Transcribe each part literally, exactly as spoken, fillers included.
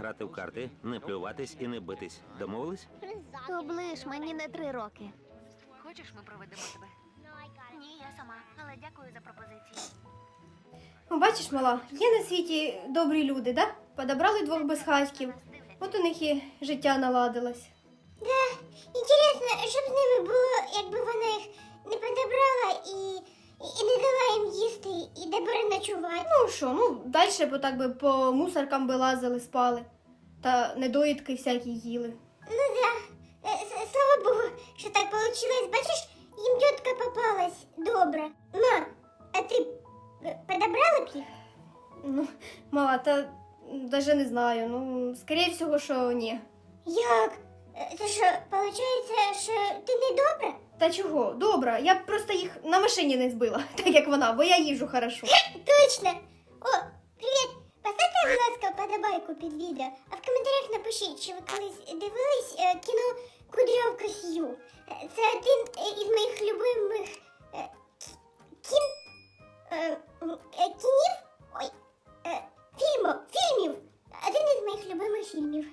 грати в карти, не плюватись і не битись. Домовились? Оближ, мені не три роки. Хочеш, ми проведемо тебе? Ні, я сама, але дякую за пропозицію. Ну, бачиш, мала, є на світі добрі люди, да? Подобрали двох безхатьків. От у них і життя наладилось. Да, інтересно, що б з ними було, якби вона їх не подобрала і, і не дала їм їсти, і де переночувати. Ну що, ну далі бо так би по мусоркам би лазили, спали. Та недоїдки всякі їли. Ну да, Е, с- слава Богу, що так получилось. Бачиш, їм тітка попалась добра. Ма, а ти е, подобрала б їх? Ну, мала, та навіть не знаю. Ну, скоріше всього, що ні. Як? Е, Це що, виходить, що ти не добра? Та чого? Добре, я б просто їх на машині не збила, так як вона, бо я їжу хорошо. Точно! О, привіт! Поставте, будь ласка, вподобайку під відео, а в коментарях напишіть, чи ви колись дивились е, кіно «Кудрявка Сью». Е, Це один е, із моїх любимих е, кін... е, м, е, кінів? Ой, е, фільмів, фільмів! Один із моїх любимих фільмів.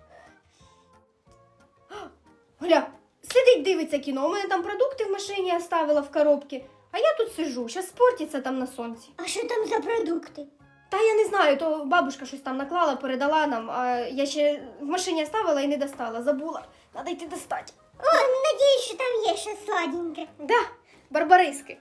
Гля, сидить, дивиться кіно, у мене там продукти в машині оставила в коробці, а я тут сижу, щас спортиться там на сонці. А що там за продукти? Та я не знаю, то бабушка щось там наклала, передала нам, а я ще в машині оставила і не достала, забула. Надо йти достати. О, надіюсь, що там є щось сладеньке. Да, барбариски.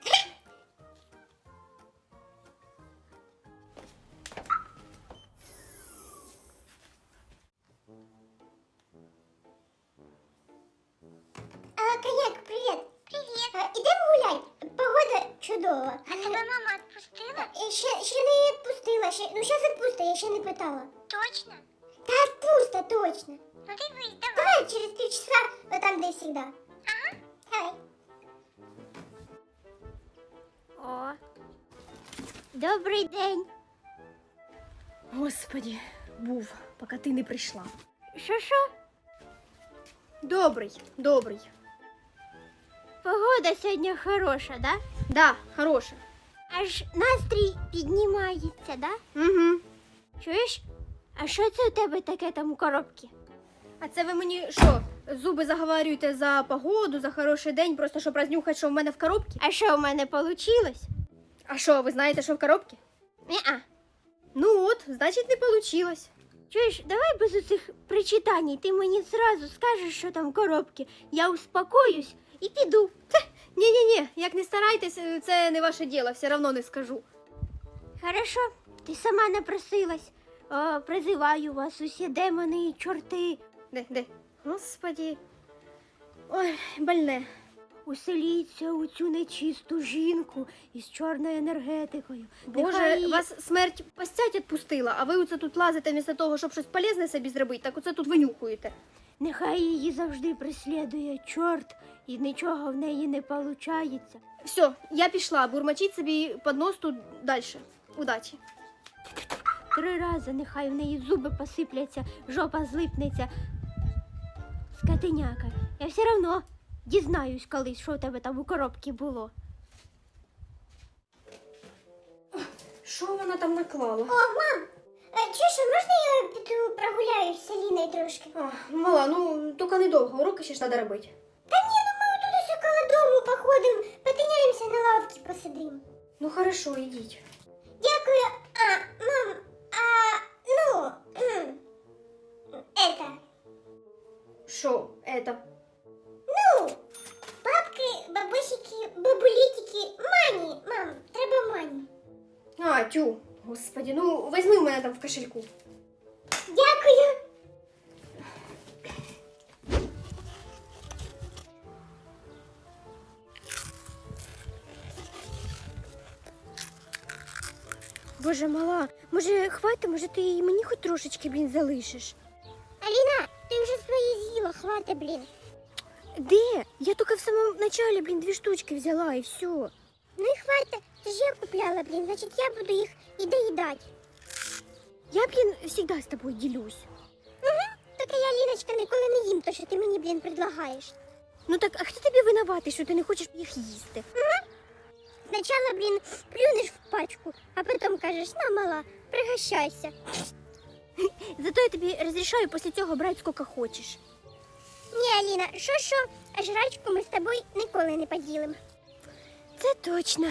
А, коньяк, привіт. Привіт. А, ідемо гуляй. Погода чудова. А тебе мама відпустила? Е, Ще, ще не відпустила, ще, ну зараз відпусти, я ще не питала. Точно? Та відпуста, точно. Ну дивись, давай. Давай через три часа, вот там, де всегда. Ага. Давай. О. Добрий день. Господі, був, поки ти не прийшла. Що-що? Добрий, добрий. Погода сьогодні хороша, да? Да, хороше. Аж настрій піднімається, да? Угу. Чуєш? А що це у тебе таке там у коробці? А це ви мені що, зуби заговорюєте за погоду, за хороший день, просто щоб рознюхати, що в мене в коробці? А що у мене вийшло? А що, ви знаєте, що в коробці? Ні-а. Ну от, значить, не получилось. Чуєш, давай без оцих причитань, ти мені зразу скажеш, що там в коробці. Я успокоюсь і піду. Ні-ні-ні, як не старайтесь, це не ваше діло, все одно не скажу. Хорошо, ти сама напросилась. О, призиваю вас усі демони і чорти. Де, де? Господі. Ой, больне. Уселіться у цю нечисту жінку із чорною енергетикою. Боже, Нехай- вас смерть постять відпустила, а ви оце тут лазите вмісто того, щоб щось полезне собі зробити, так оце тут винюхуєте. Нехай її завжди преслідує чорт, і нічого в неї не виходить. Все, я пішла, бурмочіть собі під нос тут далі. Удачі. Три рази нехай в неї зуби посипляться, жопа злипнеться. Скотиняка, я все одно дізнаюсь колись, що у тебе там у коробці було. Що вона там наклала? О, мам, е, чуєш, а можна я піду прогуляюсь з Аліною трошки? А, мала, ну, тільки недовго, уроки ще ж треба робити. Та ні, ну ми тут ось около дому походимо, потиняємося на лавці, посидимо. Ну, хорошо, йдіть. Дякую. А, мам, а, ну, кхм, это, Що, это? ну, бабки, бабусики, бабулітики, мані, мам, треба мані. А, тю, господи, ну, візьми у мене там в кошельку. Дякую. Боже, мала, може хватить, може ти її мені хоч трошечки, блін, залишиш? Аліна, ти вже свої з'їла, хвати, блін. Де? Я тільки в самому началі, блін, дві штучки взяла і все. Ну і хвати, це ж я купляла, блін, значить я буду їх і доїдати. Я, блін, завжди з тобою ділюсь. Так я, Ліночка, ніколи не їм то, що ти мені, блін, предлагаєш. Ну так, а хто тобі винуватий, що ти не хочеш їх їсти? Спочатку, блін, плюнеш в пачку, а потім кажеш, на, мала, пригощайся. Зато я тобі розрішаю після цього брати скільки хочеш. Ні, Аліна, що-що, а жрачку ми з тобою ніколи не поділимо. Це точно.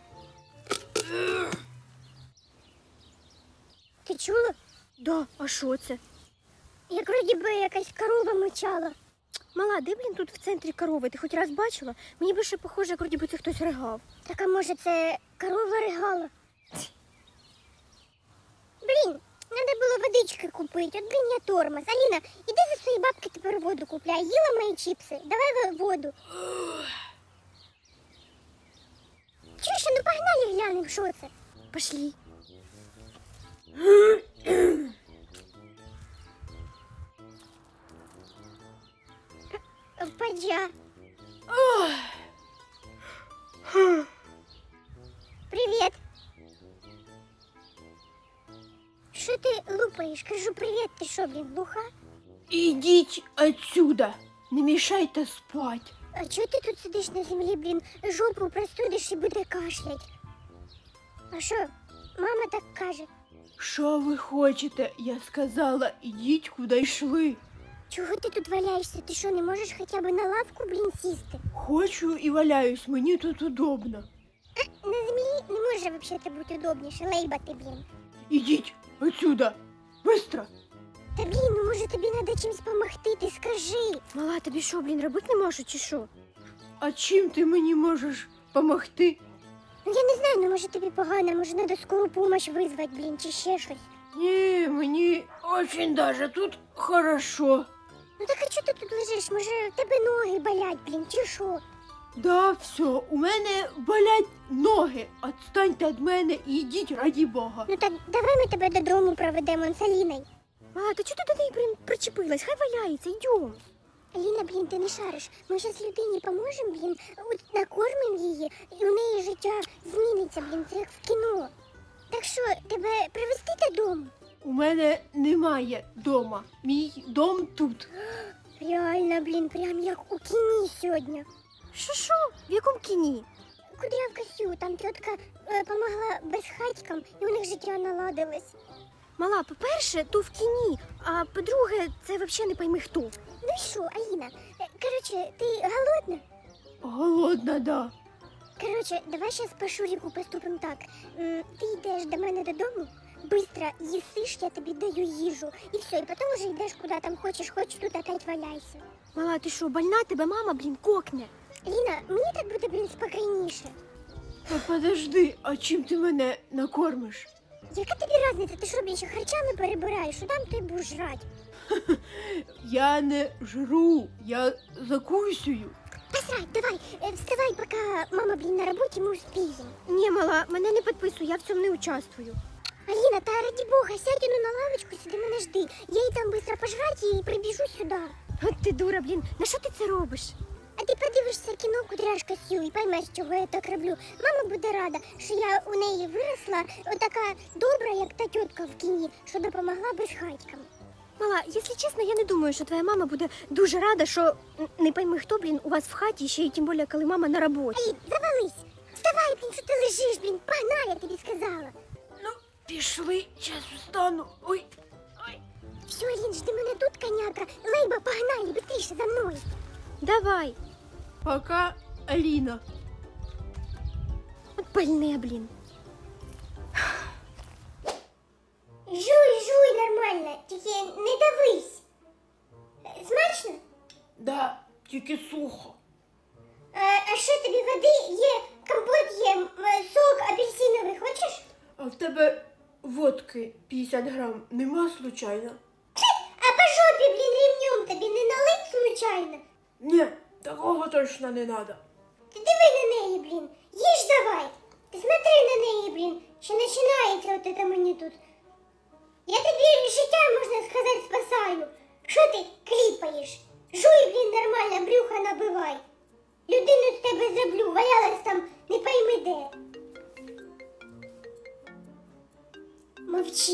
Ти чула? Да, а що це? Як вроді би якась корова мочала. Мала, де, блін, тут в центрі корови? Ти хоч раз бачила? Мені більше похоже, як вроді би це хтось ригав. Так, а може це корова ригала? Блін, треба було водички купити, от блін я тормоз. Аліна, іди за свої бабки тепер воду купляй. Їла мої чіпси, давай в- воду. Чуєш, ну погнали глянемо, що це? Пошли. Падя. Привіт. Що ти лупаєш? Кажу привіт, ти що, блін, глуха? Ідіть отсюда, не мішайте спать. А чого ти тут сидиш на землі, блін, жопу простудиш і буде кашлять? А що, мама так каже? Що ви хочете? Я сказала, ідіть куди йшли. Чого ти тут валяєшся? Ти що, не можеш хоча б на лавку, блін, сісти? Хочу і валяюсь, мені тут удобно. На землі не може взагалі бути удобніше, лейбати, блін. Ідіть отсюда, быстро. Та блін, ну може тобі треба чимось допомогти, ти скажи. Мала, тобі що, блін, робити не можу, чи що? А чим ти мені можеш допомогти? Ну я не знаю, ну може тобі погано, може треба скору помощь визвати, блін, чи ще щось. Ні, мені очень даже тут хорошо. Ну так а чого ти тут лежиш? Може в тебе ноги болять, блін, чи що? Да, все, у мене болять ноги. Отстаньте від мене і йдіть, раді Бога. Ну так давай ми тебе додому проведемо з Аліною. А, та чого ти до неї, блін, причепилась? Хай валяється, йдем. Аліна, блін, ти не шариш. Ми зараз людині поможемо, блін, от накормимо її, і у неї життя зміниться, блін, це як в кіно. Так що, тебе привезти додому? У мене немає дома. Мій дом тут. Реально, блін, прям як у кіні сьогодні. Що, що? В якому кіні? Кудрявка Сю, там тітка е, помогла безхатькам, і у них життя наладилось. Мала, по-перше, то в кіні, а по-друге, це взагалі не пойми хто. Ну і що, Аліна? Е, Коротше, ти голодна? Голодна, да. Коротше, давай зараз по Шуріку поступимо так. М, Ти йдеш до мене додому, быстро їсиш, я тобі даю їжу, і все, і потім вже йдеш куди там хочеш, хоч тут опять валяйся. Мала, ти що, больна? Тебе мама, блін, кокне. Ліна, мені так буде, блін, спокійніше. Та подожди, а чим ти мене накормиш? Яка тобі різниця? Ти що, блін, ще харчами перебираєш, що там ти будеш жрати? Я не жру, я закусюю. Посрать, давай, е, вставай, поки мама, блін, на роботі, ми успіємо. Ні, мала, мене не підписуй, я в цьому не участвую. Аліна, та раді Бога, сядь ну на лавочку, сиди мене жди. Я їй там швидко пожрати і прибіжу сюди. От ти дура, блін, на що ти це робиш? А ти подивишся кіно «Кудряшка Сю» і поймеш, чого я так роблю. Мама буде рада, що я у неї виросла, отака добра, як та тітка в кіні, що допомогла безхатькам. Мала, якщо чесно, я не думаю, що твоя мама буде дуже рада, що м, не пойми хто, блін, у вас в хаті, ще й тим більше, коли мама на роботі. Алін, завались! Вставай, блін, що ти лежиш, блін, погнали, я тобі сказала. Ну, пішли, зараз встану. Ой, ой. Все, Алін, жди мене тут, коняка. Лейба, погнали, быстріше за мною. Давай. Пока, Аліна. От больне, блін. Жуй, жуй нормально, тільки не давись. Смачно? Да, тільки сухо. А, а що тобі води є, компот є, м, сок апельсиновий хочеш? А в тебе водки п'ятдесят грам нема, случайно? А по жопі, блін, ремнем тобі не налить случайно? Ні, такого точно не надо. Ти диви на неї, блін, їж давай. Ти смотри на неї, блін, ще починається от це мені тут. Я тобі життя, можна сказати, спасаю. Що ти кліпаєш? Жуй, блін, нормально, брюха набивай. Людину з тебе зроблю, валялась там не пойми де. Мовчи.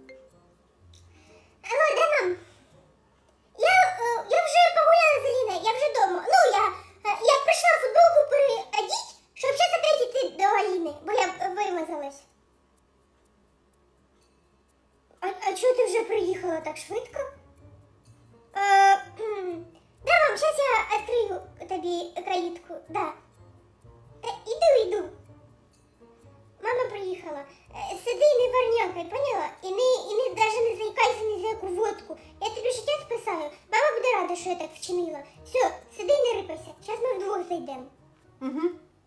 Алло, да нам? Я, е, я вже погуляла з Аліною, я вже дома. Ну, я, е, я прийшла футболку переодіть, щоб зараз опять йти до Аліни, бо я е, вимазалась. А, а чого ти вже приїхала? приїхала так швидко. Е, кхм. Да, мам, зараз я відкрию тобі каїтку. Да. Та іду, іду. Мама приїхала. Е, Сиди і не варнякай, поняла? І не, і не, даже не заїкайся ні за яку водку. Я тобі життя спасаю. Мама буде рада, що я так вчинила. Все, сиди і не рипайся. Зараз ми вдвох зайдемо. Угу.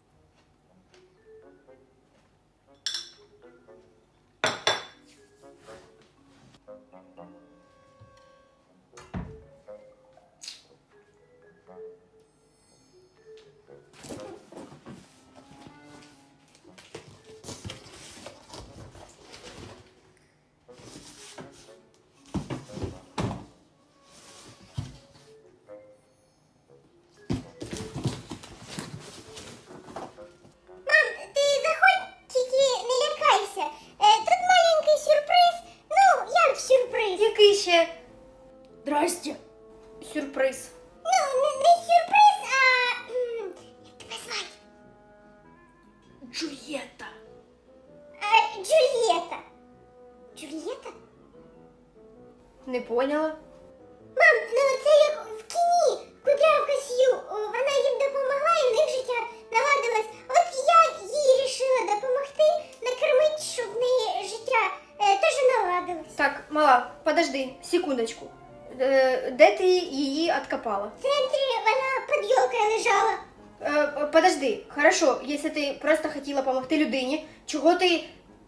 Мам, ти заходь, тільки не лякайся. Е, тут маленький сюрприз. Ну, як сюрприз? Який ще? Здрасте. Сюрприз. Ну, не, не сюрприз, а... м, Як тебе звати? Джульєта. А, Джульєта. Джульєта? Не поняла? Мам, ну це як в кіні. Кудрявка Сью. О, вона їм допомогла і в них життя наладилось. От я їй рішила допомогти, накормити, щоб в неї життя е, теж наладилось. Так, мала, подожди, секундочку. Е, де ти її откопала? В центрі вона під ёлкою лежала. Е, подожди, хорошо, якщо ти просто хотіла допомогти людині, чого ти...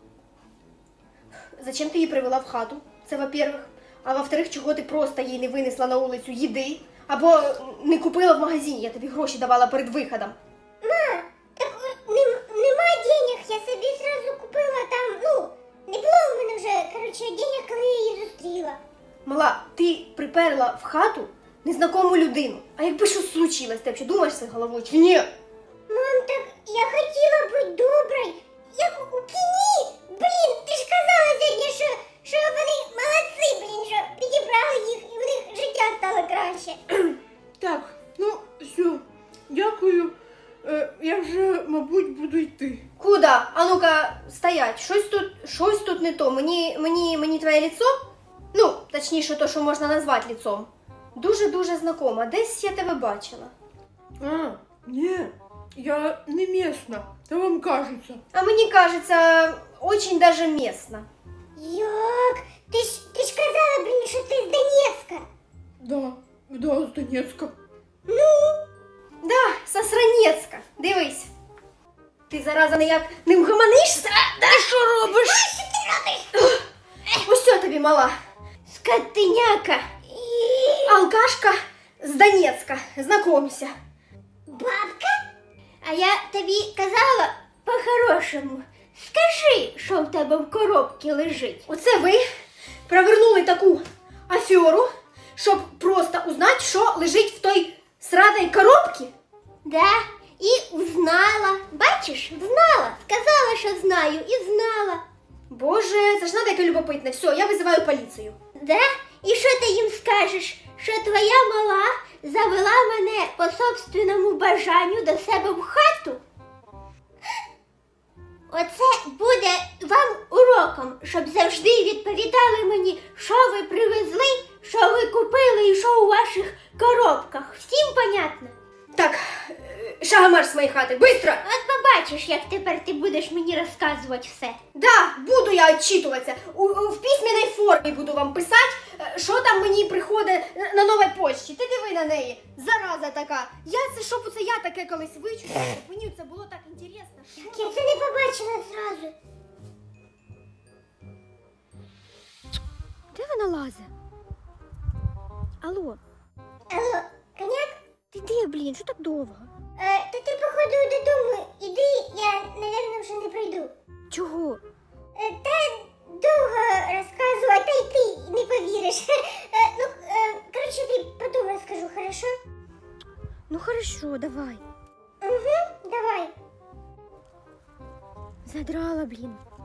Зачем ти її привела в хату? Це во-первых. А во-вторых, чого ти просто їй не винесла на вулицю їди? Або не купила в магазині, я тобі гроші давала перед виходом. Ма, так о, нем, нема денег, я собі зразу купила там, ну, не було в мене вже, коротше, денег, коли я її зустріла. Мала, ти приперла в хату незнакому людину. А якби щось случилось, ти взагалі думаєш це головою чи ні? Мам, так я хотіла бути доброю, як у кіні. Блін, ти ж казала сьогодні, що, що вони молодці, блін, що підібрали їх і в них життя стало краще. Так, ну все, дякую. Е, я вже, мабуть, буду йти. Куда? А ну-ка, стоять. Щось тут, щось тут не то. Мені, мені, мені твоє лицо? Ну, точніше, то, що можна назвати лицом. Дуже-дуже знакома. Десь я тебе бачила. А, ні, я не місна, та вам кажеться. А мені кажеться, очень даже местно. Як? Ти ж, ти ж казала, блін, що ти з Донецька. Да, да, з Донецька. Да, со Сранецька. Дивись. Ти, зараза, ніяк не вгаманишся? Да? Ти що робиш? Що ти робиш? Ось що тобі, мала. Скотиняка. Алкашка з Донецька. Знакомься. Бабка? А я тобі казала по-хорошому. Скажи, що в тебе в коробці лежить. Оце ви провернули таку аферу, щоб просто узнати, що лежить в той сраной коробці? Да, і узнала. Бачиш, знала. Сказала, що знаю, і знала. Боже, це ж надо яке любопитне. Все, я визиваю поліцію. Да? І що ти їм скажеш? Що твоя мала завела мене по собственному бажанню до себе в хату? Оце буде вам уроком, щоб завжди відповідали мені, що ви привезли, що ви купили і що у ваших коробках. Всім понятно? Так, е, шагомарш з моєї хати, быстро! От побачиш, як тепер ти будеш мені розказувати все. Да, буду я отчитуватися. У, у, в письменній формі буду вам писати, е, що там мені приходить на- на новій почті. Ти диви на неї, зараза така. Я це, щоб це я таке колись вичула, мені це було так інтересно. Що? Я це не побачила зразу. Де вона лазе? Алло, Алло, коняк? ти де, блін, що так довго? Е, то ти, походу, додому іди, я, напевно, вже не прийду. Чого? Е, Та довго розказувати, та й ти не повіриш. Е, Ну, е, коротше, тобі потім розкажу, хорошо? Ну хорошо, давай. Угу, давай. Задрала, блін.